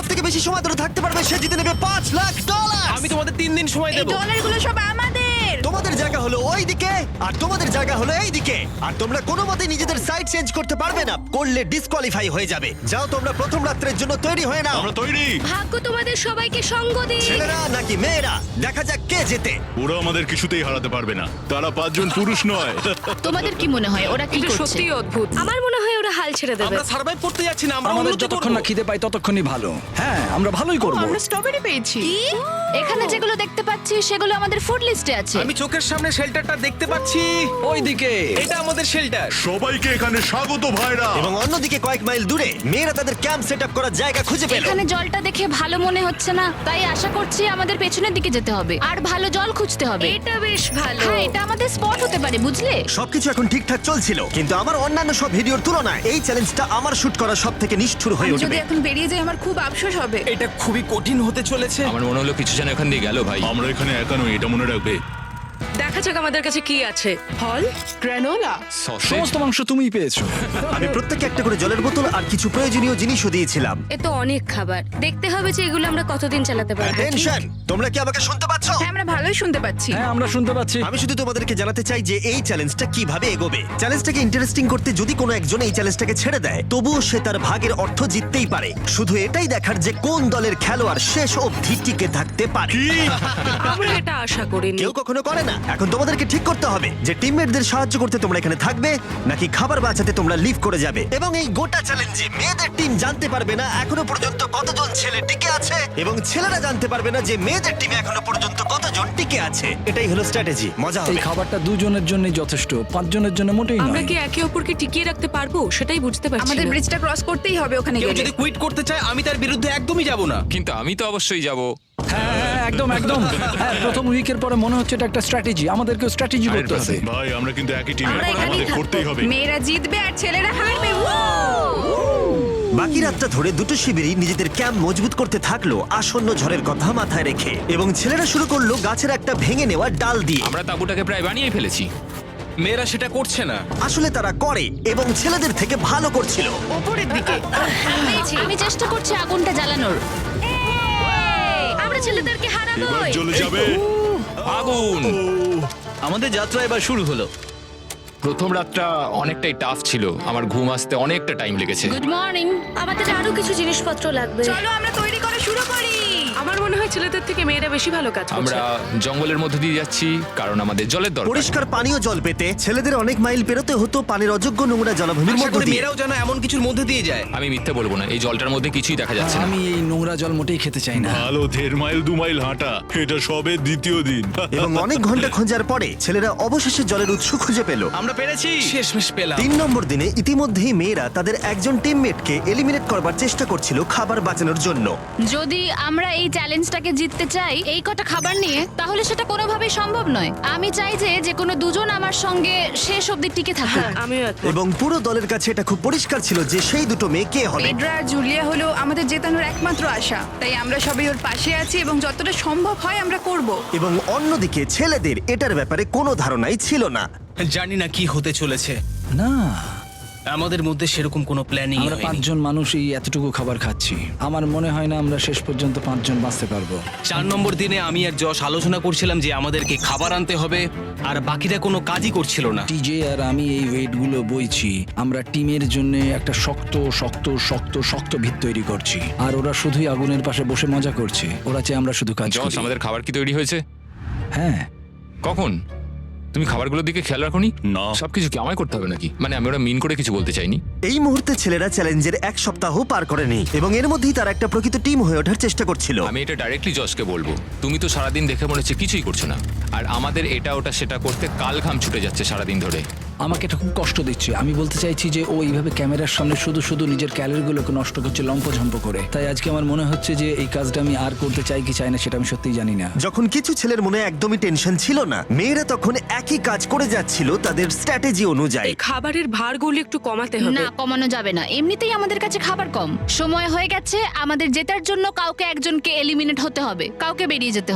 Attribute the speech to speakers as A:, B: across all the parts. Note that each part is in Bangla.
A: থেকে বেশি সময় ধরে থাকতে পারবে সে জিতে নেবে $5,00,000।
B: আমি তোমাদের 3 দিন সময়
C: এই
B: দেব।
C: ডলারগুলো সব আমাদের।
A: তোমাদের জায়গা হলো ওই দিকে আর তোমাদের জায়গা হলো এই দিকে, আর তোমরা কোনো মতে নিজেদের সাইড চেঞ্জ করতে পারবে না, করলে ডিসকোয়ালিফাই হয়ে যাবে। যাও তোমরা প্রথম রাত্রের জন্য তৈরি হয়ে নাও।
D: আমরা তৈরি।
E: ভাগ্য তোমাদের সবাইকে সঙ্গ দিক।
A: ছেলেরা নাকি মেয়েরা, দেখা যাক কে জেতে।
D: ওরা আমাদের কিছুতেই হারাতে পারবে না, তারা 5 জন পুরুষ নয়।
F: তোমাদের কি মনে হয় ওরা কি
C: এটা
F: করছে?
C: সত্যিই অদ্ভুত।
E: আমার মনে হয় ওরা হাল ছেড়ে দেবে।
B: আমরা সার্ভাইভ করতে যাচ্ছি না, আমরা
G: আমাদের
B: উন্নতি
G: যতক্ষণ
B: করব।
G: না খিদে পাই ততক্ষণই ভালো। হ্যাঁ, আমরা ভালোই করব।
C: আমরা স্ট্রবেরি পেয়েছি।
F: এখানে যেগুলো দেখতে পাচ্ছি সেগুলো আমাদের ফুড লিস্টে আছে।
B: আমি চোখের সামনে শেল্টারটা দেখতে পাচ্ছি।
G: ওইদিকে
B: এটা আমাদের শেল্টার।
D: সবাইকে এখানে স্বাগত ভাইরা।
A: এবং অন্যদিকে কয়েক মাইল দূরে মেয়েরা তাদের ক্যাম্প সেট আপ করার জায়গা খুঁজে পেল।
F: এখানে জলটা দেখে ভালো মনে হচ্ছে না, তাই আশা করছি আমাদের পেছনের দিকে যেতে হবে আর ভালো জল খুঁজতে হবে।
E: এটা বেশ ভালো।
F: হ্যাঁ, এটা আমাদের স্পট হতে পারে, বুঝলে?
A: সবকিছু এখন ঠিকঠাক চলছিল, কিন্তু আমার অন্যান্য সব ভিডিওর তুলনায় এই চ্যালেঞ্জটা আমার শুট করা সব থেকে নিষ্ঠুর হয়ে
C: আমি যদি
A: উঠবে।
C: এখন বেরিয়ে যাই আমার খুব আফসোস হবে।
B: এটা খুবই কঠিন হতে চলেছে।
H: আমার মনে হলো কিছু যেন এখান দিয়ে গেল ভাই।
D: আমরা এখানে একা নই, এটা মনে রাখবে।
E: দেখা যাক আমাদের কাছে কি আছে। ফল, গ্রানোলা।
G: সমস্ত মাংস তুমিই পেয়েছো।
A: আমি প্রত্যেককে একটা করে জলের বোতল আর কিছু প্রয়োজনীয় জিনিসও দিয়েছিলাম।
E: এ তো অনেক খাবার। দেখতে হবে যে এগুলো আমরা কতদিন চালাতে পারবো।
A: টেনশন, তোমরা কি আমাকে শুনতে পাচ্ছ?
C: হ্যাঁ, আমরা ভালোই শুনতে পাচ্ছি।
G: হ্যাঁ, আমরা শুনতে পাচ্ছি।
A: আমি শুধু তোমাদেরকে জানাতে চাই যে এই চ্যালেঞ্জটা কিভাবে এগোবে। চ্যালেঞ্জটাকে ইন্টারেস্টিং করতে যদি কোনো একজন এই চ্যালেঞ্জটাকে ছেড়ে দেয়, তবুও সে তার ভাগের অর্থ জিততেই পারে। শুধু এটাই দেখার যে কোন দলের খেলোয়াড় শেষ অবধি টিকে থাকতে পারে।
E: আমরা এটা আশা করিনি।
A: কেউ কখনো করে না। এখন তোমাদেরকে ঠিক করতে হবে যে টিমমেটদের সাহায্য করতে তোমরা এখানে থাকবে নাকি খাবার বাঁচাতে তোমরা লিভ করে যাবে। এবং এই গোটা চ্যালেঞ্জে মেয়েদের টিম জানতে পারবে না এখনো পর্যন্ত কতজন ছেলে টিকে আছে, এবং ছেলেরা জানতে পারবে না যে মেয়েদের টিমে এখনো পর্যন্ত কতজন টিকে আছে। এটাই হলো স্ট্র্যাটেজি। মজা
G: এই
A: হবে।
G: খাবারটা দুজনের জন্যই যথেষ্ট, 5 জনের জন্য মোটেই
E: আমরা
G: নয়।
E: কি একে অপরকে টিকিয়ে রাখতে পারবো সেটাই বুঝতে পারছি
C: আমাদের
E: না।
C: ব্রিজটা ক্রস করতেই হবে ওখানে
B: কেউ
C: গেলে।
B: যদি কুইট করতে চায় আমি তার বিরুদ্ধে একদমই যাব না।
H: কিন্তু আমি তো অবশ্যই যাব।
G: হ্যাঁ, হ্যাঁ, একদম একদম। হ্যাঁ, প্রথম উইকের পরে মনে হচ্ছে এটা একটা স্ট্র্যাটেজি। আমাদেরকেও স্ট্র্যাটেজি করতে হবে।
D: ভাই আমরা কিন্তু একই টিমে,
E: আমরা এখানেই
D: আমাদের
E: থাকবো।
D: করতেই হবে।
C: মেয়েরা জিতবে আর ছেলেরা হারবে।
A: বাকি রাতটা ধরে দুটো শিবিরই নিজেদের ক্যাম্প মজবুত করতে থাকলো আসন্ন ঝড়ের কথা মাথায় রেখে, এবং ছেলেরা শুরু করলো গাছের একটা ভেঙে নেওয়া ডাল দিয়ে।
H: আমরা তাঁবুটাকে প্রায় বানিয়ে ফেলেছি।
B: মেয়েরা সেটা করছে না।
A: আসলে তারা করে এবং ছেলেদের থেকে ভালো করছিল।
C: উপরের দিকে।
F: আমি চেষ্টা করছি আগুনটা জ্বালানোর।
E: আমরা ছেলেদেরকে হারাবো।
D: এবার চলে যাবে।
H: আগুন!
B: আমাদের যাত্রা এবার শুরু হলো।
H: প্রথম রাতটা অনেকটাই টাফ ছিল, আমার ঘুম আসতে অনেকটা টাইম লেগেছে।
F: Good morning.
E: আমাদের আরো কিছু জিনিসপত্র লাগবে।
C: চলো আমরা তৈরি করা শুরু করি।
E: আমার মনে হয় ছেলেদের থেকে মেয়েরা বেশি ভালো কাজ করছে।
H: আমরা জঙ্গলের মধ্যে দিয়ে যাচ্ছি কারণ আমাদের জলের দরকার।
A: পরিষ্কার পানীয় জল পেতে ছেলেদের অনেক মাইল পেরোতে হতো পানির অযোগ্য নোংরা জলাভূমির
B: আশা
A: মধ্য
B: করি
A: দিয়ে।
B: মেয়েরাও যেন এমন কিছুর মধ্যে দিয়ে যায়।
H: আমি মিথ্যে বলবো না, এই জলটার মধ্যে কিছুই দেখা যাচ্ছে না।
G: আমি এই নোংরা জল মোটেই খেতে চাই না।
D: ভালো 1.5 মাইল 2 মাইল হাঁটা, এটা সবে দ্বিতীয় দিন।
A: এবং অনেক ঘন্টা খোঁজার পরে ছেলেরা অবশেষে জলের উৎস খুঁজে পেল।
B: আমরা পেরেছি, শেষমেশ পেলাম।
A: 3 নম্বর দিনে ইতিমধ্যেই মেয়েরা তাদের একজন টিমমেটকে এলিমিনেট করবার চেষ্টা করছিল খাবার বাঁচানোর জন্য।
F: যদি আমরা এই চ্যালেঞ্জটাকে জিততে চাই এই কটা খাবার নিয়ে, তাহলে সেটা কোনোভাবেই সম্ভব নয়। আমি চাই যে কোনো দুজন আমার সঙ্গে শেষ অবধি টিকে থাকুক।
E: আমিও একমত।
A: এবং পুরো দলের কাছে এটা খুব পরিষ্কার ছিল যে সেই দুটো মেয়ে কে হবে।
C: পেড্রা আর জুলিয়া হলো আমাদের জেতানোর একমাত্র আশা, তাই আমরা সবাই ওর পাশে আছি এবং যতটা সম্ভব হয় আমরা করব।
A: এবং অন্যদিকে ছেলেদের এটার ব্যাপারে কোনো ধারণাই ছিল না।
B: জানি না কি হতে চলেছে।
G: না,
B: আমাদের মধ্যে সেরকম কোনো প্ল্যানিং
G: আমরা 5 জন মানুষ এই এতটুকু খাবার খাচ্ছি। আমার মনে হয় না আমরা শেষ পর্যন্ত 5 জন বাঁচতে পারবো।
B: 4 নম্বর দিনে আমি আর যশ আলোচনা করছিলাম যে আমাদেরকে খাবার আনতে হবে, আর বাকিরা কোনো কাজই করছিল না।
G: টিজে আর আমি এই ওয়েটগুলো বইছি। আমরা টিমের জন্য একটা শক্ত শক্ত শক্ত শক্ত ভিত তৈরি করছি, আর ওরা শুধুই আগুনের পাশে বসে মজা করছে। ওরা চাই আমরা শুধু কাজ
H: জস,
G: করি।
H: আমাদের খাবার কি তৈরি হয়েছে?
G: হ্যাঁ,
H: কখন? তুমি খাবারগুলোর দিকে খেয়াল রাখোনি?
D: না।
H: সবকিছু কি আমায় করতে হবে নাকি? মানে আমি ওরা মিন করে কিছু বলতে চাইনি।
A: এই মুহূর্তে ছেলেরা চ্যালেঞ্জের 1 সপ্তাহ পার করেনি এবং এর মধ্যেই তারা একটা প্রকৃত টিম হয়ে ওঠার চেষ্টা করছিল।
H: আমি এটা ডাইরেক্টলি জসকে বলবো। তুমি তো সারাদিন দেখে মনে হচ্ছে কিছুই করছো না, আর আমাদের এটা ওটা সেটা করতে কাল ঘাম ছুটে যাচ্ছে সারাদিন ধরে।
G: আমাকে এটা খুব কষ্ট দিচ্ছে। আমি বলতে চাইছি যে ও এইভাবে ক্যামেরার সামনে শুধু শুধু নিজের ক্যালোরিগুলোকে নষ্ট করছে লম্পঝম্প করে। তাই আজকে আমার মনে হচ্ছে যে এই কাজটা আমি আর করতে চাই কি চাই না সেটা আমি সত্যিই জানি না।
A: যখন কিছু ছেলের মনে একদমই টেনশন ছিল না, মেয়েরা তখন একই কাজ করে যাচ্ছিল তাদের স্ট্র্যাটেজি অনুযায়ী।
E: এই খাবারের ভারগুলো একটু কমাতে হবে।
F: না, কমানো যাবে না। এমনিতেই আমাদের কাছে খাবার কম। সময় হয়ে গেছে আমাদের জেতার জন্য কাউকে একজনকে এলিমিনেট হতে হবে, কাউকে বেরিয়ে যেতে হবে।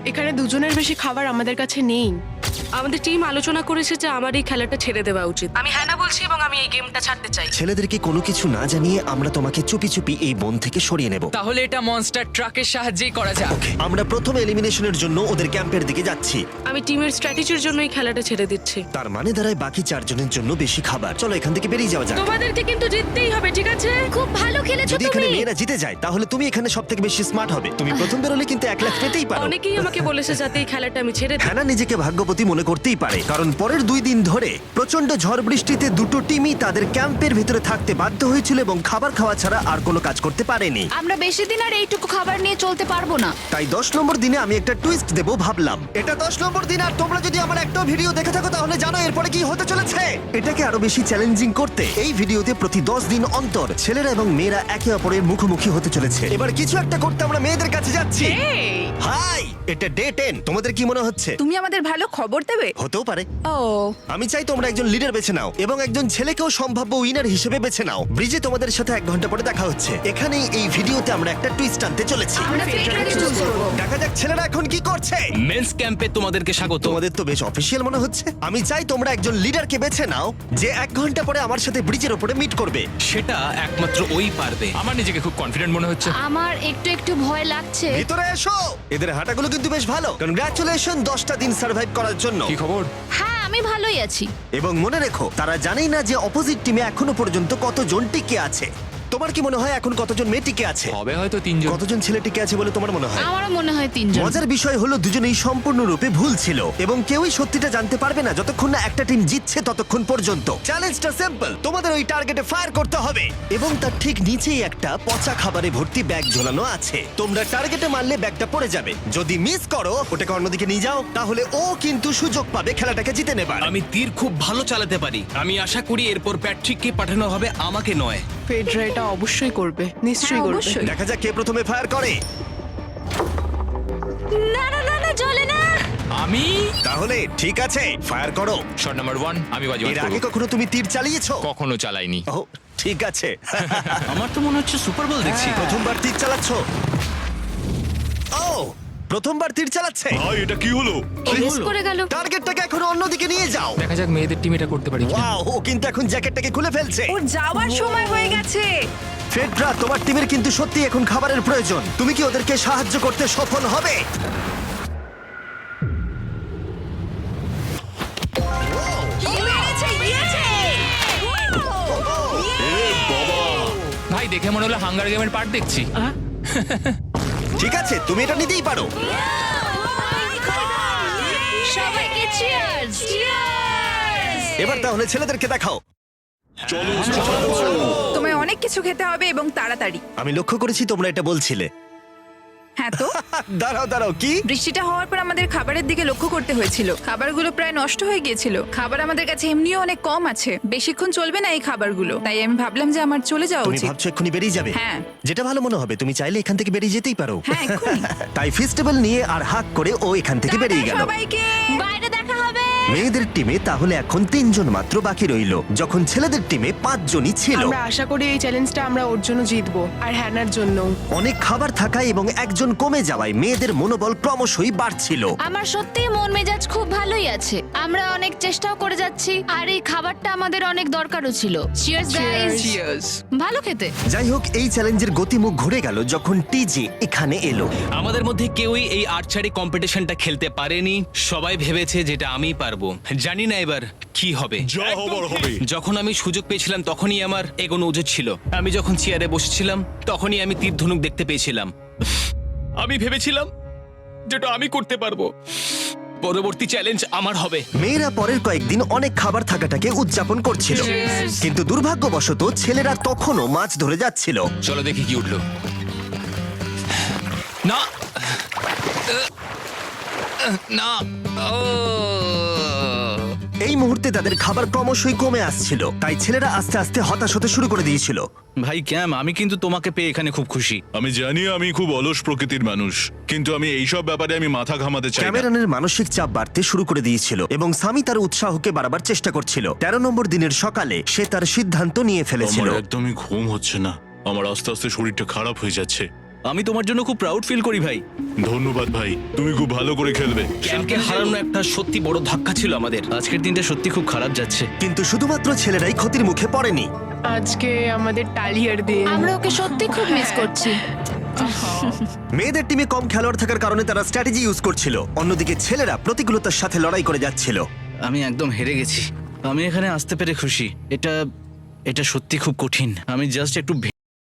I: এখানে দুজনের বেশি খাবার আমাদের কাছে নেই।
E: আমাদের টিম আলোচনা করেছে যে আমার এই খেলাটা ছেড়ে দেওয়া উচিত। আমি হ্যাঁ বলছি এবং আমি এই গেমটা ছাড়তে চাই।
A: ছেলেদেরকে কোনো কিছু না জানিয়ে আমরা তোমাকে চুপি চুপি এই বন থেকে সরিয়ে নেব।
J: তাহলে এটা মনস্টার ট্রাকের সাহায্যেই করা যাক।
A: আমরা প্রথম এলিমিনেশনের জন্য ওদের ক্যাম্পের দিকে যাচ্ছি।
E: আমি টিমের স্ট্র্যাটেজির জন্য এই খেলাটা ছেড়ে দিচ্ছি।
A: তার মানে দাঁড়ায় বাকি 4 জনের জন্য বেশি খাবার। চলো এখান থেকে বেরিয়ে যাওয়া যাক।
E: তোমাদেরকে কিন্তু জিততেই হবে, ঠিক আছে?
F: খুব ভালো খেলেছো
A: যদি এখানে
F: তুমি।
A: মেয়েরা জিতে যায় তাহলে তুমি এখানে সবথেকে বেশি স্মার্ট হবে। তুমি প্রথম বেরোলে কিন্তু 1 লাখ পেতেই পারো।
E: অনেকেই আমাকে বলেছে যাতে এই খেলাটা আমি ছেড়ে দিই।
A: হ্যানা নিজেকে ভাগ্যবতী মনে করতেই পারে, কারণ পরের 2 দিন ধরে প্রচন্ড ঝড় বৃষ্টিতে দুটো টিমই তাদের ক্যাম্পের ভিতরে থাকতে বাধ্য হয়েছিল এবং খাবার খাওয়া ছাড়া আর কোনো কাজ করতে পারেনি।
F: আমরা বেশি দিন আর এইটুকু খাবার নিয়ে চলতে পারবো না।
A: তাই 10 নম্বর দিনে আমি একটা টুইস্ট দেব ভাবলাম। এটা 10 নম্বর দিন, আর তোমরা যদি আমার একটা ভিডিও দেখে থাকো তাহলে জানো এরপরে কি হতে চলেছে। এটাকে আরো বেশি চ্যালেঞ্জিং করতে এই ভিডিওতে প্রতি 10 দিন অন্তর ছেলেরা এবং মেয়েরা একে অপরের মুখোমুখি হতে চলেছে। এবার কিছু একটা করতে আমরা মেয়েদের কাছে যাচ্ছি। হাই, এটা ডে 10। তোমাদের কি মনে হচ্ছে?
C: তুমি আমাদের ভালো খবর দেবে।
A: হতেও পারে।
C: ও
A: আমি চাই তোমরা একজন লিডার বেছে নাও এবং একজন ছেলেকেও সম্ভাব্য উইনার হিসেবে বেছে নাও। ব্রিজে তোমাদের সাথে 1 ঘন্টা পরে দেখা হচ্ছে। এখানেই এই ভিডিওতে আমরা একটা টুইস্ট আনতে চলেছি।
C: আমরা ফেডরারকে চুজ করব।
A: দেখা যাক ছেলেরা এখন কি করছে।
B: মেন্স ক্যাম্পে তোমাদেরকে স্বাগত।
A: তোমাদের তো বেশ অফিসিয়াল মনে হচ্ছে। আমি চাই তোমরা একজন লিডারকে বেছে নাও যে 1 ঘন্টা পরে আমার সাথে ব্রিজের উপরে মিট করবে।
B: সেটা একমাত্র ওই পারবে।
H: আমার নিজেকে খুব কনফিডেন্ট মনে হচ্ছে।
F: আমার একটু একটু ভয় লাগছে।
A: ভিতরে এসো। এদের হাঁটাগুলো কিন্তু বেশ ভালো। কনগ্রাচুলেশন 10টা দিন সার্ভাইভ করার জন্য।
H: কি খবর?
F: হ্যাঁ আমি ভালোই আছি।
A: এবং মনে রেখো, তারা জানেই না যে অপোজিট টিমে এখনো পর্যন্ত কতজন টিকে আছে। তোমার কি মনে হয় এখন কতজন মেয়ে টিকে আছে?
H: হবে হয়তো 3 জন।
A: কতজন ছেলে টিকে আছে বলে তোমার মনে হয়?
F: আমারও মনে হয় 3 জন।
A: মজার বিষয় হলো দুজনেই সম্পূর্ণরূপে ভুল ছিল এবং কেউই সত্যিটা জানতে পারবে না যতক্ষণ না একটা টিম জিতছে ততক্ষণ পর্যন্ত। চ্যালেঞ্জটা সিম্পল, তোমাদের ওই টার্গেটে ফায়ার করতে হবে এবং তার ঠিক নিচেই একটা পচা খাবারে ভর্তি ব্যাগ ঝোলানো আছে। তোমরা টার্গেটে মারলে ব্যাগটা পড়ে যাবে। যদি মিস করো, ওটাকে অন্যদিকে নিয়ে যাও, তাহলে ও কিন্তু সুযোগ পাবে খেলাটাকে জিতে নেবার।
B: আমি তীর খুব ভালো চালাতে পারি। আমি আশা করি এরপর প্যাট্রিককে পাঠানো হবে, আমাকে নয়।
I: ফেডরা এটা অবশ্যই করবে, নিশ্চয়ই
C: হ্যাঁ,
I: করবে।
C: অবশ্যই।
A: দেখা যাক কে প্রথমে ফায়ার করে।
F: না না না না চলে না।
H: আমি
A: তাহলে ঠিক আছে, ফায়ার করো।
H: শট নাম্বার 1 আমি বাজি
A: এর আগে কখনো তুমি তীর চালিয়েছো?
H: কখনো চালাইনি।
A: ও ঠিক আছে।
B: আমার তো মনে হচ্ছে সুপার বল দেখছি।
A: প্রথমবার তীর চালাচ্ছ? ও প্রথমবার তীর চালাচ্ছে।
D: ভাই এটা কি হলো?
F: মিস করে গেল।
A: টার্গেটটাকে এখন অন্যদিকে নিয়ে যাও।
H: দেখা যাক মেয়েদের টিম এটা করতে পারি কিনা।
A: ওয়াও, ও কিন্তু এখন জ্যাকেটটাকে খুলে ফেলছে।
C: ওর যাওয়ার সময় হয়ে গেছে।
A: ফেডরা, তোমার টিমের কিন্তু সত্যি এখন খাবারের প্রয়োজন। তুমি কি ওদেরকে সাহায্য করতে সফল হবে?
H: ভাই দেখে মনে হলো হাঙ্গার গেমের পার্ট দেখছি।
A: ঠিক আছে, তুমি এটা নিতেই পারো।
F: সবাইকে চিয়ার্স। চিয়ার্স।
A: এবার তাহলে ছেলেদেরকে দেখাও।
D: চলো
C: তোমায় অনেক কিছু খেতে হবে এবং তাড়াতাড়ি।
A: আমি লক্ষ্য করেছি তোমরা এটা বলছিলে।
C: হ্যাঁ তো
A: দাঁড়াও দাঁড়াও, কি?
C: বৃষ্টিটা হওয়ার পর আমাদের খাবারের দিকে লক্ষ্য করতে হয়েছিল। খাবারগুলো প্রায় নষ্ট হয়ে গিয়েছিল। খাবার আমাদের কাছে এমনিও অনেক কম আছে, বেশিক্ষণ চলবে না এই খাবারগুলো। তাই আমি ভাবলাম যে আমার চলে যাওয়া
A: তুমি
C: উচিত।
A: ভাবছো এক্ষুনি বেরিয়ে যাবে?
C: হ্যাঁ।
A: যেটা ভালো মনে হবে। তুমি চাইলে এখান থেকে বেরিয়ে যেতেই পারো।
C: হ্যাঁ, এক্ষুনি।
A: তাই ফেস্টিভ্যাল নিয়ে আর হাক করে ও এখান থেকে বেরিয়ে গেল।
C: সবাইকে
F: বাইরে দেখা হবে।
A: মেয়েদের টিমে তাহলে এখন 3 জন মাত্র বাকি রইল, যখন ছেলেদের টিমে 5 জনই ছিল।
I: আমরা আশা করি এই চ্যালেঞ্জটা আমরা ওর জন্য জিতবো, আর হ্যানার জন্য।
A: অনেক খাবার থাকায় এবং একজন কমে যাওয়ায় মেয়েদের মনোবল ক্রমশই বাড়ছিল।
F: আমার সত্যি মন মেজাজ খুব ভালোই আছে। আমরা অনেক চেষ্টাও করে যাচ্ছি আর এই খাবারটা আমাদের অনেক দরকারও ছিল। Cheers guys.
J: চিয়ার্স।
F: ভালো খেতে।
A: যাই হোক, এই চ্যালেঞ্জের গতিমুখ ঘুরে গেল যখন টিজি এখানে এলো।
B: আমাদের মধ্যে কেউই এই আর্চারি কম্পিটিশনটা খেলতে পারেনি। সবাই ভেবেছে যেটা আমি পারবো। জানি না এবার কি হবে।
D: যা হবার হবে।
B: যখন আমি সুযোগ পেয়েছিলাম তখনই আমার এগোনো উচিত ছিল। আমি যখন চেয়ারে বসেছিলাম তখনই আমি তীর ধনুক দেখতে পেয়েছিলাম। আমি ভেবেছিলাম যেটা আমি করতে পারবো। পরবর্তী চ্যালেঞ্জ আমার হবে।
A: মেয়েরা পরের কয়েকদিন অনেক খাবার থাকাটাকে উদযাপন করছিল, কিন্তু দুর্ভাগ্যবশত ছেলেরা তখনও মাছ ধরে যাচ্ছিল।
H: চলো দেখি কি উঠলো। না না ও
A: এই মুহূর্তে তাদের খাবার ক্রমশই কমে আসছিল, তাই ছেলেরা আস্তে আস্তে হতাশ হতে শুরু করে দিয়েছিল।
B: ভাই ক্যাম, আমি কিন্তু তোমাকে পেয়ে এখানে খুব খুশি।
D: আমি জানি আমি খুব অলস প্রকৃতির মানুষ, কিন্তু আমি এইসব ব্যাপারে আমি মাথা ঘামাতে চাই না।
A: ক্যামেরনের মানসিক চাপ বাড়তে শুরু করে দিয়েছিল এবং সামি তার উৎসাহকে বাড়াবার চেষ্টা করছিল। 13 নম্বর দিনের সকালে সে তার সিদ্ধান্ত নিয়ে ফেলেছিল।
D: আমার একদমই ঘুম হচ্ছে না। আমার আস্তে আস্তে শরীরটা খারাপ হয়ে যাচ্ছে।
B: আমি তোমার জন্য খুব প্রাউড ফিল করি ভাই।
D: ধন্যবাদ ভাই, তুমি খুব ভালো করে খেলবে।
B: ক্যাম্পকে হারানো একটা সত্যি বড় ধাক্কা ছিল আমাদের। আজকের দিনটা সত্যি খুব খারাপ যাচ্ছে।
A: কিন্তু শুধুমাত্র ছেলেরাই ক্ষতির মুখে পড়েনি।
I: আজকে আমাদের টালিয়ার দিন।
F: আমরা ওকে সত্যি খুব মিস করছি।
A: মেয়েদের টিমে কম খেলোয়াড় থাকার কারণে তারা স্ট্র্যাটেজি ইউজ করছিল, অন্যদিকে ছেলেরা প্রতিকূলতার সাথে লড়াই করে যাচ্ছিল।
B: আমি একদম হেরে গেছি। আমি এখানে আসতে পেরে খুশি। এটা সত্যি খুব কঠিন। আমি জাস্ট একটু